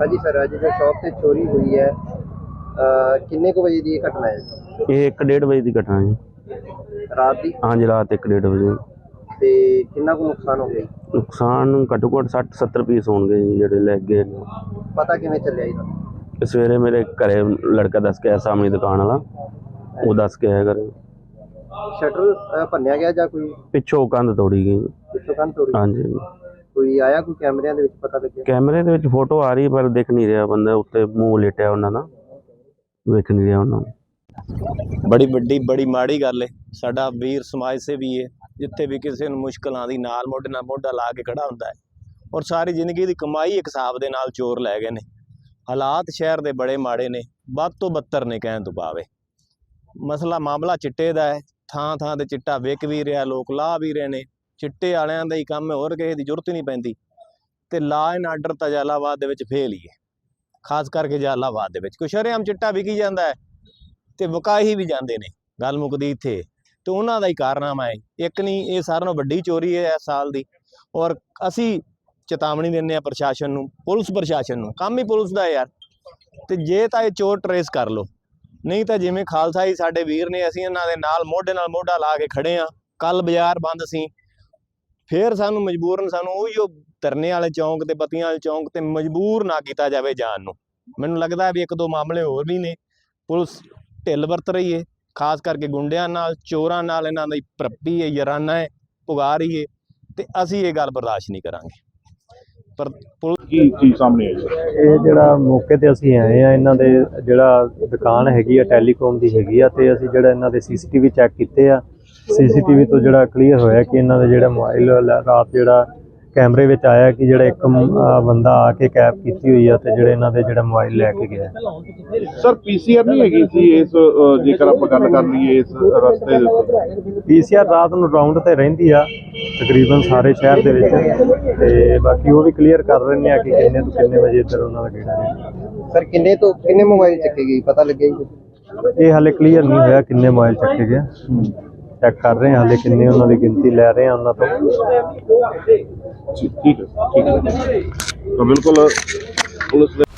जी sir, अज जो shop से चोरी हुई है किन्ने को बजे की घटना है? ये 1:30 ਵਜੇ ਦੀ ਘਟਨਾ ਜੀ। रात की? हाँ जी, रात 1:30 ਵਜੇ। ਤੇ ਕਿੰਨਾ ਕੁ ਨੁਕਸਾਨ ਹੋ ਗਿਆ? ਨੁਕਸਾਨ ਘੱਟੋ ਘੱਟ 60-70 ਪੀਸ ਹੋਣਗੇ ਜੀ ਜਿਹੜੇ ਲੈ ਗਏ ਨੇ। ਪਤਾ ਕਿਵੇਂ ਚੱਲਿਆ ਇਹਦਾ? ਸਵੇਰੇ ਮੇਰੇ ਘਰੇ ਲੜਕਾ ਦੱਸ ਕੇ ਆਇਆ, ਸਾਹਮਣੇ ਦੁਕਾਨ ਵਾਲਾ, ਉਹ ਦੱਸ ਕੇ ਆਇਆ ਘਰੇ। ਸ਼ਟਰ ਭੰਨਿਆ ਗਿਆ ਜਾਂ ਕੋਈ ਪਿੱਛੋਂ ਕੰਧ ਤੋੜੀ ਗਈ। ਪਿੱਛੋਂ ਕੰਧ ਤੋੜੀ? ਹਾਂਜੀ। ਕੋਈ ਆਇਆ, ਕੋਈ ਕੈਮਰਿਆਂ ਦੇ ਵਿੱਚ ਪਤਾ ਲੱਗਿਆ? ਕੈਮਰੇ ਦੇ ਵਿੱਚ ਫੋਟੋ ਆ ਰਹੀ ਪਰ ਦਿਖ ਨਹੀਂ ਰਿਹਾ, ਬੰਦਾ ਉੱਤੇ ਮੂੰਹ ਲੇਟਿਆ ਉਹਨਾਂ ਦਾ, ਵੇਖ ਨਹੀਂ ਰਿਹਾ ਉਹਨਾਂ ਨੂੰ। बड़ी वड्डी बड़ी माड़ी गल है। साडा वीर समाज सेवी है, जिथे भी किसी नूं मुश्किल आंदी नाल मोढे नाल मोढा ला के खड़ा हुंदा है। और सारी जिंदगी की कमाई एक हिसाब दे नाल चोर लै गए ने। हालात शहर दे बड़े माड़े ने, बद तो बदतर ने कहण तों पावे। मसला मामला चिट्टे दा है, थां थां ते चिट्टा विक भी रहा, लोग ला भी रहे ने। चिट्टे वालियां दा ही काम है, होर किसे दी जरूरत ही नहीं पैंदी। ते ला एंड आर्डर तां जलालाबाद दे विच फेल ही है, खास करके जलालाबाद दे विच। कोई शरेआम चिट्टा विकी जांदा है ਤੇ ਵਕਾਈ ਵੀ ਜਾਂਦੇ ਨੇ, ਗੱਲ ਮੁੱਕਦੀ ਇੱਥੇ। ਤੇ ਉਹਨਾਂ ਦਾ ਹੀ ਕਾਰਨਾਮਾ ਹੈ, ਇੱਕ ਨਹੀਂ, ਇਹ ਸਾਰਿਆਂ ਨਾਲੋਂ ਵੱਡੀ ਚੋਰੀ ਹੈ ਇਸ ਸਾਲ ਦੀ। ਔਰ ਅਸੀਂ ਚੇਤਾਵਨੀ ਦਿੰਦੇ ਹਾਂ ਪ੍ਰਸ਼ਾਸਨ ਨੂੰ, ਪੁਲਿਸ ਪ੍ਰਸ਼ਾਸਨ ਨੂੰ, ਕੰਮ ਹੀ ਪੁਲਿਸ ਦਾ ਯਾਰ। ਤੇ ਜੇ ਤਾਂ ਇਹ ਚੋਰ ਟਰੇਸ ਕਰ ਲਓ, ਨਹੀਂ ਤਾਂ ਜਿਵੇਂ ਖਾਲਸਾ ਜੀ ਸਾਡੇ ਵੀਰ ਨੇ, ਅਸੀਂ ਇਹਨਾਂ ਦੇ ਨਾਲ ਮੋਢਾ ਲਾ ਕੇ ਖੜੇ ਹਾਂ। ਕੱਲ ਬਾਜ਼ਾਰ ਬੰਦ ਸੀ, ਫਿਰ ਸਾਨੂੰ ਮਜਬੂਰਨ ਉਹੀ ਧਰਨੇ ਵਾਲੇ ਚੌਂਕ ਤੇ ਬੱਤੀਆਂ ਵਾਲੇ ਚੌਂਕ ਤੇ ਮਜਬੂਰ ਨਾ ਕੀਤਾ ਜਾਵੇ ਜਾਣ ਨੂੰ। ਮੈਨੂੰ ਲੱਗਦਾ ਵੀ ਇੱਕ ਦੋ ਮਾਮਲੇ ਹੋਰ ਵੀ ਨੇ, ਪੁਲਿਸ ਢਿੱਲ ਵਰਤ ਰਹੀ ਹੈ, ਖਾਸ ਕਰਕੇ ਗੁੰਡਿਆਂ ਨਾਲ, ਚੋਰਾਂ ਨਾਲ। ਇਹਨਾਂ ਦੀ ਭਰਪੀ ਹੈ, ਯਾਰਾਨਾ ਹੈ, ਪੁਗਾ ਰਹੀ ਹੈ, ਤੇ ਅਸੀਂ ਇਹ ਗੱਲ ਬਰਦਾਸ਼ਤ ਨਹੀਂ ਕਰਾਂਗੇ। ਪਰ ਕੀ ਚੀਜ਼ ਸਾਹਮਣੇ ਆਈ? ਇਹ ਜਿਹੜਾ ਮੌਕੇ ਤੇ ਅਸੀਂ ਆਏ ਆ, ਇਹਨਾਂ ਦੇ ਜਿਹੜਾ ਦੁਕਾਨ ਹੈਗੀ ਆ ਟੈਲੀਕਾਮ ਦੀ ਹੈਗੀ ਆ, ਤੇ ਅਸੀਂ ਜਿਹੜਾ ਇਹਨਾਂ ਦੇ ਸੀਸੀਟੀਵੀ ਚੈੱਕ ਕੀਤੇ ਆ। ਸੀਸੀਟੀਵੀ ਤੋਂ ਜਿਹੜਾ ਕਲੀਅਰ ਹੋਇਆ ਕਿ ਇਹਨਾਂ ਦੇ ਜਿਹੜਾ ਮੋਬਾਈਲ ਰਾਤ ਜਿਹੜਾ ਕੈਮਰੇ ਵਿੱਚ ਆਇਆ ਕਿ ਜਿਹੜਾ ਇੱਕ ਬੰਦਾ ਆ ਕੇ ਕੈਪ ਕੀਤੀ ਹੋਈ ਆ, ਤੇ ਜਿਹੜੇ ਇਹਨਾਂ ਦੇ ਜਿਹੜਾ ਮੋਬਾਈਲ ਲੈ ਕੇ ਗਿਆ। ਸਰ ਪੀਸੀਆਰ ਨਹੀਂ ਹੈਗੀ ਸੀ ਇਸ, ਜੇਕਰ ਆਪਾਂ ਗੱਲ ਕਰ ਲਈਏ ਇਸ ਰਸਤੇ ਦੇ ਉੱਤੇ? ਪੀਸੀਆਰ ਰਾਤ ਨੂੰ ਰਾਉਂਡ ਤੇ ਰਹਿੰਦੀ ਆ ਤਕਰੀਬਨ ਸਾਰੇ ਸ਼ਹਿਰ ਦੇ ਵਿੱਚ, ਤੇ ਬਾਕੀ ਉਹ ਵੀ ਕਲੀਅਰ ਕਰ ਰਹੇ ਆ ਕਿ ਕਿੰਨੇ ਤੋਂ ਕਿੰਨੇ ਵਜੇ ਇੱਧਰ ਉਹਨਾਂ ਦਾ ਗੇੜਾ ਹੈ। ਸਰ ਕਿੰਨੇ ਤੋਂ ਕਿੰਨੇ ਮੋਬਾਈਲ ਚੱਕੇ ਗਏ, ਪਤਾ ਲੱਗਿਆ ਜੀ? ਇਹ ਹਾਲੇ ਕਲੀਅਰ ਨਹੀਂ ਹੋਇਆ ਕਿੰਨੇ ਮੋਬਾਈਲ ਚੱਕੇ ਗਏ, ਚੈੱਕ ਕਰ ਰਹੇ ਹਾਂ ਹਾਲੇ ਕਿੰਨੇ ਉਹਨਾਂ ਦੀ ਗਿਣਤੀ ਲੈ ਰਹੇ ਹਾਂ ਉਹਨਾਂ ਤੋਂ। ਠੀਕ ਹੈ ਤਾਂ ਬਿਲਕੁਲ ਪੁਲਿਸ ਦੇ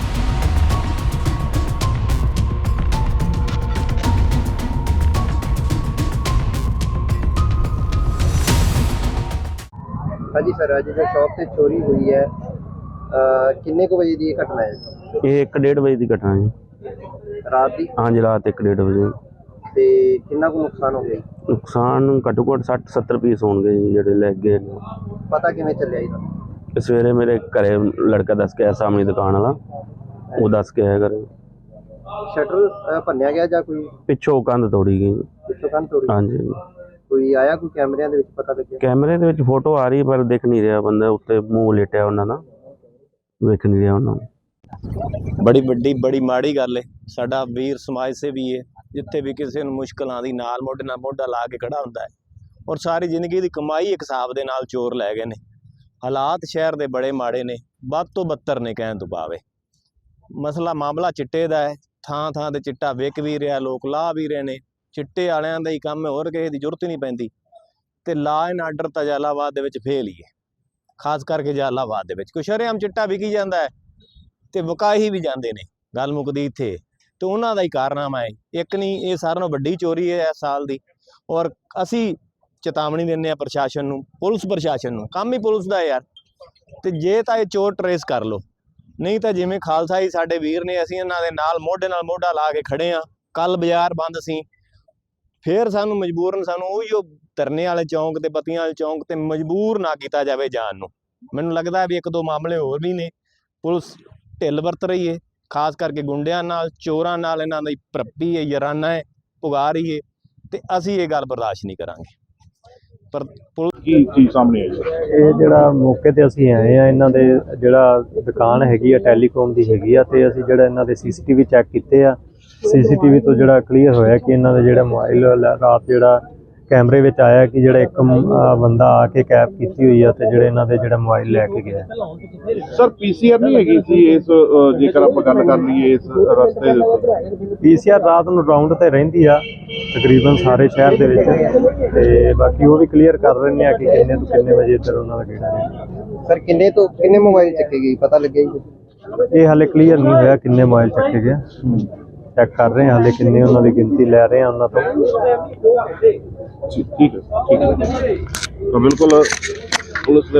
हाँ जी सर, अज जो शॉप से चोरी हुई है किन्ने को बजे की घटना है? ਇਹ 1:30 ਵਜੇ ਦੀ ਘਟਨਾ ਜੀ। रात की? हाँ जी, रात 1:30 ਵਜੇ। ਤੇ ਕਿੰਨਾ ਕੁ ਨੁਕਸਾਨ ਹੋ ਗਿਆ? ਨੁਕਸਾਨ ਘੱਟੋ ਘੱਟ 60-70 ਪੀਸ ਹੋਣਗੇ ਜੀ ਜਿਹੜੇ ਲੈ ਗਏ ਨੇ। ਪਤਾ ਕਿਵੇਂ ਚੱਲਿਆ ਇਹਦਾ? ਸਵੇਰੇ ਮੇਰੇ ਘਰੇ ਲੜਕਾ ਦੱਸ ਕੇ ਆਇਆ, ਸਾਹਮਣੇ ਦੁਕਾਨ ਵਾਲਾ, ਉਹ ਦੱਸ ਕੇ ਆਇਆ ਘਰੇ। ਸ਼ਟਰ ਭੰਨਿਆ ਗਿਆ ਜਾਂ ਕੋਈ ਪਿੱਛੋਂ ਕੰਧ ਤੋੜੀ ਗਈ। ਪਿੱਛੋਂ ਕੰਧ ਤੋੜੀ? ਹਾਂਜੀ। ਕੋਈ ਆਇਆ, ਕੋਈ ਕੈਮਰਿਆਂ ਦੇ ਵਿੱਚ ਪਤਾ ਲੱਗਿਆ? ਕੈਮਰੇ ਦੇ ਵਿੱਚ ਫੋਟੋ ਆ ਰਹੀ ਪਰ ਦਿਖ ਨਹੀਂ ਰਿਹਾ, ਬੰਦਾ ਉੱਤੇ ਮੂੰਹ ਲੇਟਿਆ ਉਹਨਾਂ ਦਾ, ਵੇਖ ਨਹੀਂ ਰਿਹਾ ਉਹਨਾਂ ਨੂੰ। बड़ी वड्डी बड़ी माड़ी गल है। साडा वीर समाज सेवी है, जिथे भी किसी नूं मुश्किल आंदी नाल मोढा ला के खड़ा हुंदा है। और सारी जिंदगी की कमाई एक हिसाब दे नाल चोर लै गए ने। हालात शहर दे बड़े माड़े ने, बद तो बदतर ने कहण तों पावे। मसला मामला चिट्टे दा है, थां थां ते चिट्टा विक भी रहा, लोग ला भी रहे ने। चिट्टे वालियां दा ही काम है, होर किसे दी जरूरत ही नहीं पैंदी। ते ला एंड आर्डर तां जलालाबाद दे विच फेल ही है, खास करके जलालाबाद दे विच। कोई शरेआम चिट्टा विकी जांदा है ਤੇ ਵਕਾਈ ਵੀ ਜਾਂਦੇ ਨੇ, ਗੱਲ ਮੁੱਕਦੀ ਇੱਥੇ। ਤੇ ਉਹਨਾਂ ਦਾ ਹੀ ਕਾਰਨਾਮਾ ਹੈ, ਇੱਕ ਨਹੀਂ, ਇਹ ਸਾਰਿਆਂ ਨਾਲੋਂ ਵੱਡੀ ਚੋਰੀ ਹੈ ਇਸ ਸਾਲ ਦੀ। ਔਰ ਅਸੀਂ ਚੇਤਾਵਨੀ ਦਿੰਦੇ ਹਾਂ ਪ੍ਰਸ਼ਾਸਨ ਨੂੰ, ਪੁਲਿਸ ਪ੍ਰਸ਼ਾਸਨ ਨੂੰ, ਕੰਮ ਹੀ ਪੁਲਿਸ ਦਾ ਯਾਰ। ਤੇ ਜੇ ਤਾਂ ਇਹ ਚੋਰ ਟਰੇਸ ਕਰ ਲਓ, ਨਹੀਂ ਤਾਂ ਜਿਵੇਂ ਖਾਲਸਾ ਜੀ ਸਾਡੇ ਵੀਰ ਨੇ, ਅਸੀਂ ਇਹਨਾਂ ਦੇ ਨਾਲ ਮੋਢਾ ਲਾ ਕੇ ਖੜੇ ਹਾਂ। ਕੱਲ ਬਾਜ਼ਾਰ ਬੰਦ ਸੀ, ਫਿਰ ਸਾਨੂੰ ਮਜਬੂਰਨ ਉਹੀ ਧਰਨੇ ਵਾਲੇ ਚੌਂਕ ਤੇ ਬੱਤੀਆਂ ਵਾਲੇ ਚੌਂਕ ਤੇ ਮਜਬੂਰ ਨਾ ਕੀਤਾ ਜਾਵੇ ਜਾਣ ਨੂੰ। ਮੈਨੂੰ ਲੱਗਦਾ ਵੀ ਇੱਕ ਦੋ ਮਾਮਲੇ ਹੋਰ ਵੀ ਨੇ, ਪੁਲਿਸ ਢਿੱਲ ਵਰਤ ਰਹੀ ਹੈ, ਖਾਸ ਕਰਕੇ ਗੁੰਡਿਆਂ ਨਾਲ, ਚੋਰਾਂ ਨਾਲ। ਇਹਨਾਂ ਦੀ ਭਰਪੀ ਹੈ, ਯਾਰਾਨਾ ਹੈ, ਪੁਗਾ ਰਹੀ ਹੈ, ਤੇ ਅਸੀਂ ਇਹ ਗੱਲ ਬਰਦਾਸ਼ਤ ਨਹੀਂ ਕਰਾਂਗੇ। ਪਰ ਕੀ ਚੀਜ਼ ਸਾਹਮਣੇ ਆਈ? ਇਹ ਜਿਹੜਾ ਮੌਕੇ ਤੇ ਅਸੀਂ ਆਏ ਆ, ਇਹਨਾਂ ਦੇ ਜਿਹੜਾ ਦੁਕਾਨ ਹੈਗੀ ਆ ਟੈਲੀਕਾਮ ਦੀ ਹੈਗੀ ਆ, ਤੇ ਅਸੀਂ ਜਿਹੜਾ ਇਹਨਾਂ ਦੇ ਸੀਸੀਟੀਵੀ ਚੈੱਕ ਕੀਤੇ ਆ। ਸੀਸੀਟੀਵੀ ਤੋਂ ਜਿਹੜਾ ਕਲੀਅਰ ਹੋਇਆ ਕਿ ਇਹਨਾਂ ਦੇ ਜਿਹੜਾ ਮੋਬਾਈਲ ਰਾਤ ਜਿਹੜਾ ਕੈਮਰੇ ਵਿੱਚ ਆਇਆ ਕਿ ਜਿਹੜਾ ਇੱਕ ਬੰਦਾ ਆ ਕੇ ਕੈਪ ਕੀਤੀ ਹੋਈ ਆ, ਤੇ ਜਿਹੜੇ ਇਹਨਾਂ ਦੇ ਜਿਹੜਾ ਮੋਬਾਈਲ ਲੈ ਕੇ ਗਿਆ। ਸਰ ਪੀਸੀਆਰ ਨਹੀਂ ਹੈਗੀ ਸੀ ਇਸ, ਜੇਕਰ ਆਪਾਂ ਗੱਲ ਕਰ ਲਈਏ ਇਸ ਰਸਤੇ ਦੇ ਉੱਤੇ? ਪੀਸੀਆਰ ਰਾਤ ਨੂੰ ਰਾਉਂਡ ਤੇ ਰਹਿੰਦੀ ਆ ਤਕਰੀਬਨ ਸਾਰੇ ਸ਼ਹਿਰ ਦੇ ਵਿੱਚ, ਤੇ ਬਾਕੀ ਉਹ ਵੀ ਕਲੀਅਰ ਕਰ ਰਹੇ ਆ ਕਿ ਕਿੰਨੇ ਤੋਂ ਕਿੰਨੇ ਵਜੇ ਇੱਧਰ ਉਹਨਾਂ ਦਾ ਗੇੜਾ ਹੈ। ਸਰ ਕਿੰਨੇ ਤੋਂ ਕਿੰਨੇ ਮੋਬਾਈਲ ਚੱਕੇ ਗਏ, ਪਤਾ ਲੱਗਿਆ ਜੀ? ਇਹ ਹਾਲੇ ਕਲੀਅਰ ਨਹੀਂ ਹੋਇਆ ਕਿੰਨੇ ਮੋਬਾਈਲ ਚੱਕੇ ਗਏ। ਚੈੱਕ ਕਰ ਰਹੇ ਹਾਂ ਹਾਲੇ ਕਿੰਨੇ ਉਹਨਾਂ ਦੀ ਗਿਣਤੀ ਲੈ ਰਹੇ ਹਾਂ ਉਹਨਾਂ ਤੋਂ। ਠੀਕ ਹੈ ਤਾਂ ਬਿਲਕੁਲ ਪੁਲਿਸ ਦੇ